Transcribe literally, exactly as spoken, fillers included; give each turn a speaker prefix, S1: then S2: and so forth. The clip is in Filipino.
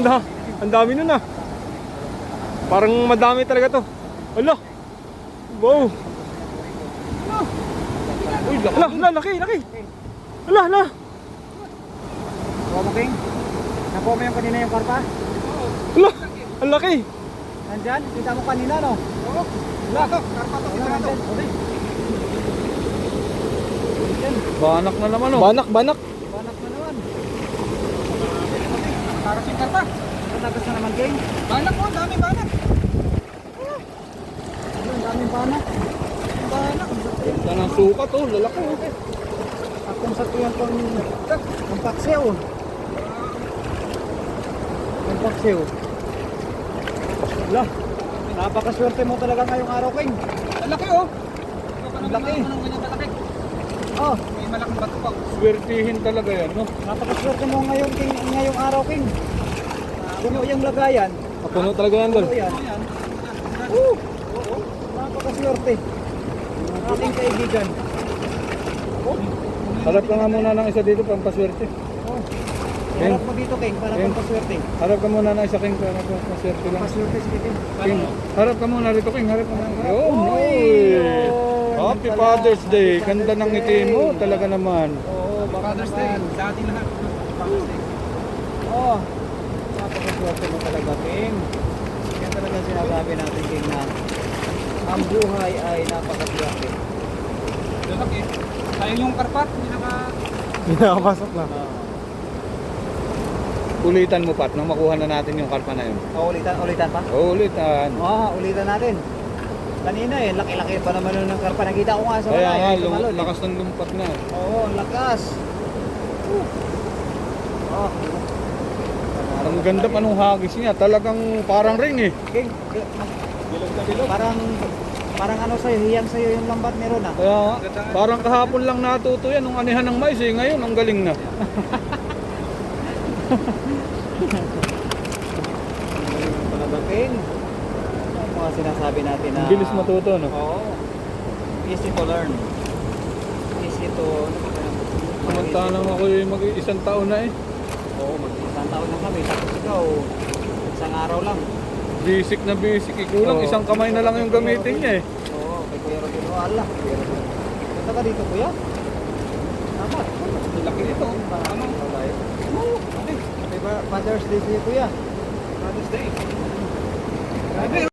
S1: ang, da ang dami nun ah. Parang madami talaga to. Ala. Wow. Uy, ala, ala, laki, laki. Ala, ala.
S2: Kuha mo, King. Nakuha mo yung kanina yung karpa?
S1: Ala, ang laki.
S2: Nandyan? Kita mo kanina, no? Oo. Wala to. Karpa to. Kita to.
S1: Banak na naman oh. Banak, banak.
S2: Banak na naman. Taras yung karpa. Nagas na naman, King. Banak po. Dami banak. Ang daming banak. Banak.
S1: Ganda ng sukat oh. Lalaki oh.
S2: Akong sa tuyan ko ang paksiw. Ang paksiw. Wala. Napakaswerte mo talaga ngayong araw, King.
S3: Ang laki oh.
S2: Ang laki.
S3: Malaki.
S2: Oh,
S3: May malaking bato pa.
S1: Swertihin talaga yan no.
S2: napakaswerte mo ngayon, King, ngayong araw, King. Puno yung lagayan.
S1: Puno talaga yan dol.
S2: Puno yan.
S3: Ayan.
S2: Oo. Oo. Napakaswerte. Ang ating kaibigan. Oh.
S1: Harap ka nga muna ng isa dito pang paswerte.
S2: Oh. Harap mo dito, King, para
S1: King.
S2: pampaswerte.
S1: Harap ka muna ng isa King para paswerte lang.
S2: Paswerte si King.
S1: King, harap ka muna rito King. Harap ka muna. Yun.
S2: Uy,
S1: Uy.
S2: yun.
S1: Happy
S2: Pala.
S1: Father's Day.
S2: Happy
S1: Ganda
S2: Father's
S1: ng ngiti
S2: Day.
S1: mo talaga naman.
S2: Oo, baka
S3: Father's Day.
S2: naman.
S3: Sa ating lahat. Father's Day.
S2: Oh, napakaswerte mo talaga, King. Yan talaga sinasabi natin, King, na ang buhay ay napakaswerte.
S3: Lalaki. Sayang yung karpat. Hindi naka...
S1: Hindi nakapasok na.
S2: Uh,
S1: Ulitan mo Pat nang makuha na natin yung karpa na yun.
S2: oh, ulitan, ulitan pa?
S1: Oh, ulitan.
S2: Oo, ulitan natin. Kanina eh, laki-laki pa naman nun ng karpa. Nakita ko nga sa
S1: Kaya
S2: wala
S1: nga,
S2: eh,
S1: lum-
S2: tumalon, eh.
S1: lakas ng lumpat na.
S2: Oo, ang lakas. Uh. Oh.
S1: Ang ganda pa nung hagis niya. Talagang parang ring eh.
S2: King, King, parang parang ano sa'yo, hiyang sa'yo yung lambat ni Ron ah.
S1: Kaya nga, parang kahapon lang natuto yan nung anihan ng mais eh. Ngayon, ang galing na.
S2: Talaga, King. Ang mga sinasabi natin na...
S1: Ang bilis matuto, no?
S2: Oo. Easy to learn. Easy to...
S1: Samantalang ako yung mag-isang taon na eh.
S2: Oo, mag-isang taon na kami. Tapos ikaw, isang araw lang.
S1: Basic na basic. Ikulang,
S2: Oo.
S1: isang kamay na lang yung gamitin niya eh.
S2: Oo, kay Kuya Rodin. Oh, Allah. Kuya Rodin. Punta ka dito, Kuya. Tama.
S3: Laki nito.
S2: Tama. Oo. Diba, Father's Day sa'yo, Kuya.
S3: Father's Day. Grabe.